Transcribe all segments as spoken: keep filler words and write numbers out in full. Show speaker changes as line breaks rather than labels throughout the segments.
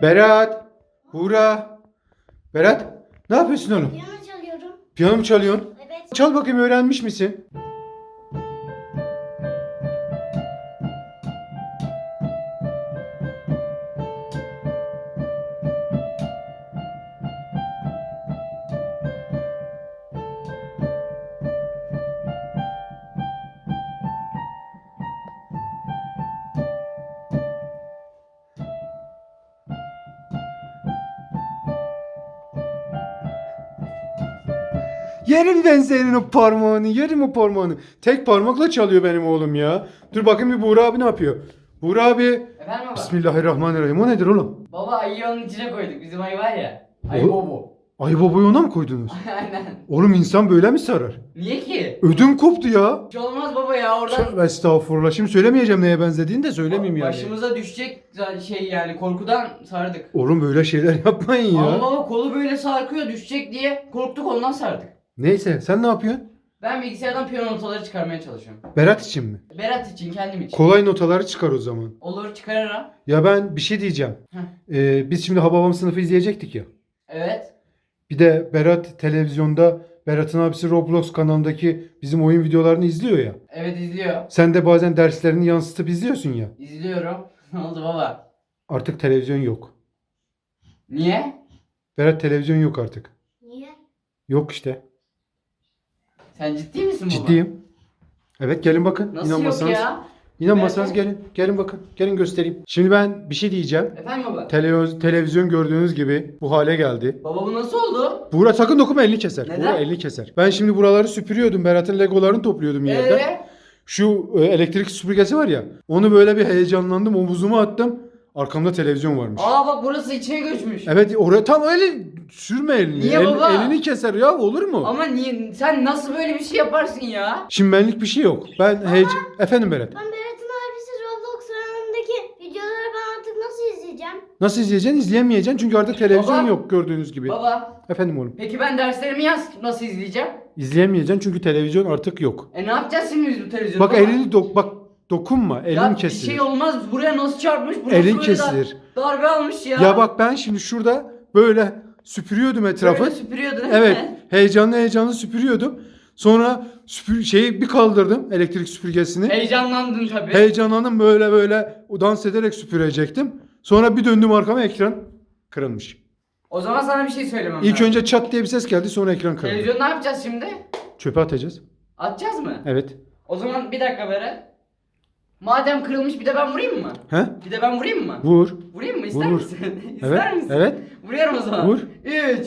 Berat. Buğra. Berat. Ne yapıyorsun oğlum?
Piyano çalıyorum.
Piyano mu çalıyorsun?
Evet.
Çal bakayım, öğrenmiş misin? Yerim ben senin o parmağını, yerim o parmağını. Tek parmakla çalıyor benim oğlum ya. Dur bakayım bir Buğra abi ne yapıyor? Buğra abi.
Efendim baba?
Bismillahirrahmanirrahim. O nedir oğlum?
Baba ayıyı onun içine koyduk. Bizim ayı var ya. Ayı
O-
bobo.
Ayı babayı ona mı koydunuz?
Aynen.
Oğlum insan böyle mi sarar?
Niye ki?
Ödüm koptu ya.
Hiç olmaz baba ya oradan.
Tövbe estağfurullah. Şimdi söylemeyeceğim neye benzediğini de söylemeyeyim yani.
Başımıza düşecek şey yani korkudan sardık.
Oğlum böyle şeyler yapmayın
Ama
ya.
baba kolu böyle sarkıyor düşecek diye korktuk ondan sardık.
Neyse sen ne yapıyorsun?
Ben bilgisayardan piyano notaları çıkarmaya çalışıyorum.
Berat için mi?
Berat için kendim için.
Kolay notaları çıkar o zaman.
Olur çıkarırım.
Ya ben bir şey diyeceğim.
Heh.
Ee, biz şimdi Hababam sınıfı izleyecektik ya.
Evet.
Bir de Berat televizyonda Berat'ın abisi Roblox kanalındaki bizim oyun videolarını izliyor ya.
Evet izliyor.
Sen de bazen derslerini yansıtıp izliyorsun ya.
İzliyorum. Ne oldu baba?
Artık televizyon yok.
Niye?
Berat televizyon yok artık.
Niye?
Yok işte.
Sen ciddi misin baba?
Ciddiyim. Evet gelin bakın.
Nasıl yok
İnanmasanız.
ya?
İnanmasanız
Nerede?
gelin. Gelin bakın. Gelin göstereyim. Şimdi ben bir şey diyeceğim.
Efendim baba?
Televiz- televizyon gördüğünüz gibi bu hale geldi.
Baba bu nasıl oldu?
Buğra sakın dokunma, elini keser.
Neden?
Buğra elini keser. Ben şimdi buraları süpürüyordum. Berat'ın legolarını topluyordum yerden.
Ee?
Şu e, elektrik süpürgesi var ya. Onu böyle bir heyecanlandım. Omuzuma attım. Arkamda televizyon varmış.
Aa bak burası içine göçmüş.
Evet oraya tam öyle sürme elini.
Niye
El-
baba?
elini keser ya, olur mu?
Ama niye sen nasıl böyle bir şey yaparsın ya?
Şimdi benlik bir şey yok. Ben heyecan... Efendim Berat.
Ben Berat'ın abisi Roblox kanalındaki videoları ben artık nasıl izleyeceğim?
Nasıl izleyeceksin? İzleyemeyeceksin çünkü artık televizyon
Baba.
yok gördüğünüz gibi.
Baba
Efendim oğlum.
peki ben derslerimi yaz nasıl izleyeceğim?
İzleyemeyeceksin çünkü televizyon artık yok.
E ne yapacağız şimdi biz bu televizyonda?
Bak elini dok bak dokunma. Elin
ya
kesilir.
bir şey olmaz buraya nasıl çarpmış? Burası
Elin
böyle
kesilir.
dar- darbe almış ya.
Ya bak ben şimdi şurada böyle süpürüyordum etrafı.
Böyle süpürüyordun.
Evet, heyecanlı heyecanlı süpürüyordum. Sonra süpür şeyi bir kaldırdım, elektrik süpürgesini.
Heyecanlandın tabii.
Heyecanlandım, böyle böyle dans ederek süpürecektim. Sonra bir döndüm arkama, ekran kırılmış.
O zaman sana bir şey söylemem
İlk
lazım.
önce çat diye bir ses geldi, sonra ekran kırıldı.
Televizyon ne yapacağız şimdi?
Çöpe atacağız.
Atacağız mı?
Evet.
O zaman bir dakika Berat. Madem kırılmış bir de ben vurayım mı?
He?
Bir de ben vurayım mı?
Vur.
Vurayım mı? İster
Vur, vur.
misin? İster
Evet.
misin?
Evet.
Vuruyorum o zaman.
Vur.
üç,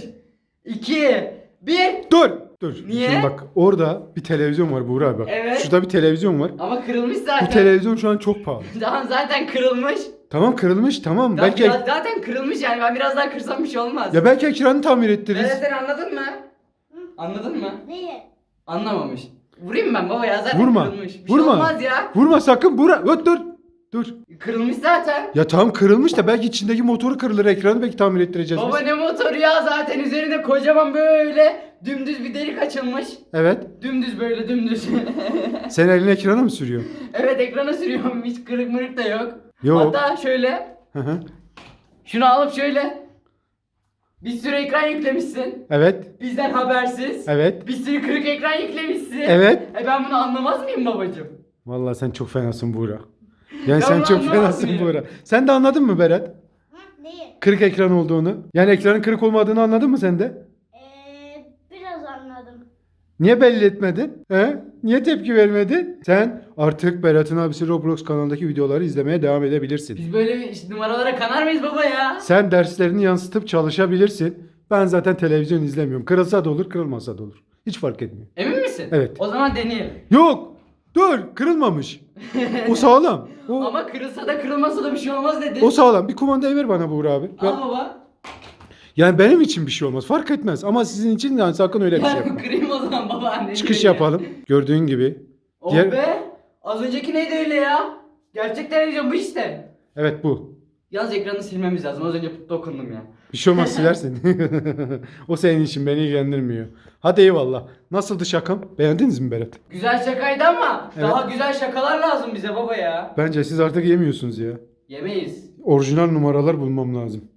iki, bir.
Dur. Dur.
Niye?
Şimdi bak orada bir televizyon var Buğra abi bak.
Evet.
Şurada bir televizyon var.
Ama kırılmış zaten.
Bu televizyon şu an çok pahalı.
Tamam zaten kırılmış.
Tamam kırılmış, tamam.
Ya
Belki
biraz- zaten kırılmış yani ben biraz daha kırsam bir şey olmaz.
ya belki ekranı tamir ettiririz.
Evet sen anladın mı? Anladın mı?
Neyi?
Anlamamış. Vurayım ben baba ya zaten
Vurma.
kırılmış. Bir
Vurma.
şey olmaz ya.
Vurma sakın Buğra. Dur dur. Dur.
Kırılmış zaten.
Ya tamam kırılmış da belki içindeki motoru kırılır, ekranı belki tamir ettireceğiz
Baba
biz.
ne motoru ya zaten üzerinde kocaman böyle dümdüz bir delik açılmış.
Evet.
Dümdüz böyle dümdüz.
Sen elini ekrana mı sürüyorsun?
Evet ekrana sürüyorum hiç kırık mırık da yok.
Yok.
Hatta şöyle
Hı hı.
şunu alıp şöyle bir sürü ekran yüklemişsin.
Evet.
Bizden habersiz.
Evet.
Bir sürü kırık ekran yüklemişsin.
Evet.
E ben bunu anlamaz mıyım babacığım?
Vallahi sen çok fenasın Buğra. Yani
Ya
sen
bunu
çok
anlamaz
fenasın
mıyım?
Buğra. Sen de anladın mı Berat?
Hı? Neyi?
Kırık ekran olduğunu. Yani ekranın kırık olmadığını anladın mı sen de?
Ee, biraz anladım.
Niye belli etmedin? He? Niye tepki vermedin? Sen artık Berat'ın abisi Roblox kanalındaki videoları izlemeye devam edebilirsin.
Biz böyle bir işte numaralara kanar mıyız baba ya?
Sen derslerini yansıtıp çalışabilirsin. Ben zaten televizyon izlemiyorum. Kırılsa da olur, kırılmasa da olur. Hiç fark etmiyor.
Emin misin?
Evet.
O zaman deneyelim.
Yok! Dur! Kırılmamış. O sağlam. O,
Ama kırılsa da kırılmasa da bir şey olmaz dedi.
o sağlam. Bir kumandayı ver bana Buğra abi. Ben-
Al baba.
yani benim için bir şey olmaz. Fark etmez. Ama sizin için yani sakın öyle bir şey
Ben
yapma.
kırayım o zaman baba anne.
Çıkış yapalım. Gördüğün gibi.
Oh
Diğer-
be. Az önceki neydi öyle ya? Gerçek televizyon bu işte.
Evet bu.
Yalnız ekranı silmemiz lazım. Az önce dokundum ya.
Bir şey olmaz silersin. O senin için, beni ilgilendirmiyor. Hadi eyvallah. Nasıldı şakam? Beğendiniz mi Berat?
Güzel şakaydı ama
Evet.
daha güzel şakalar lazım bize baba ya.
Bence siz artık yemiyorsunuz ya.
Yemeyiz.
Orijinal numaralar bulmam lazım.